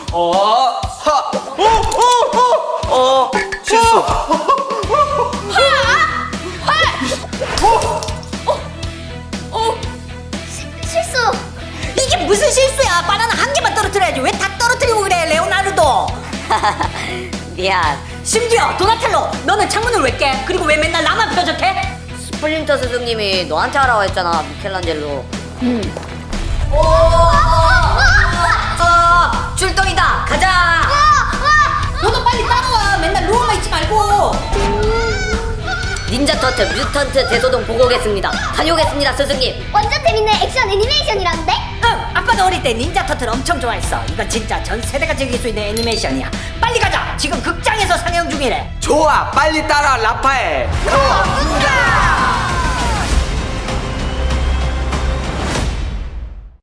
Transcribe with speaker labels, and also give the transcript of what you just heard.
Speaker 1: 실수.
Speaker 2: 실수.
Speaker 3: 이게 무슨 실수야? 바나나 한 개만 떨어뜨려야지. 왜 다 떨어뜨리고 그래, 레오나르도?
Speaker 4: 미안.
Speaker 3: 심지어 도나텔로, 너는 창문을 왜 깨? 그리고 왜 맨날 나만 표적해?
Speaker 4: 스플린터 스승님이 너한테 하라고 했잖아, 미켈란젤로. 출동이다. 가자.
Speaker 3: 너도 빨리 따라와. 맨날 누워만 있지 말고.
Speaker 4: 닌자 터틀 뮤턴트 대소동 보고 오겠습니다. 다녀오겠습니다, 스승님.
Speaker 2: 완전 재밌는 액션 애니메이션이란데?
Speaker 3: 응, 아빠도 어릴 때 닌자 터틀 엄청 좋아했어. 이건 진짜 전 세대가 즐길 수 있는 애니메이션이야. 빨리 가자. 지금 극장에서 상영 중이래.
Speaker 1: 좋아, 빨리 따라 라파엘.
Speaker 3: 가!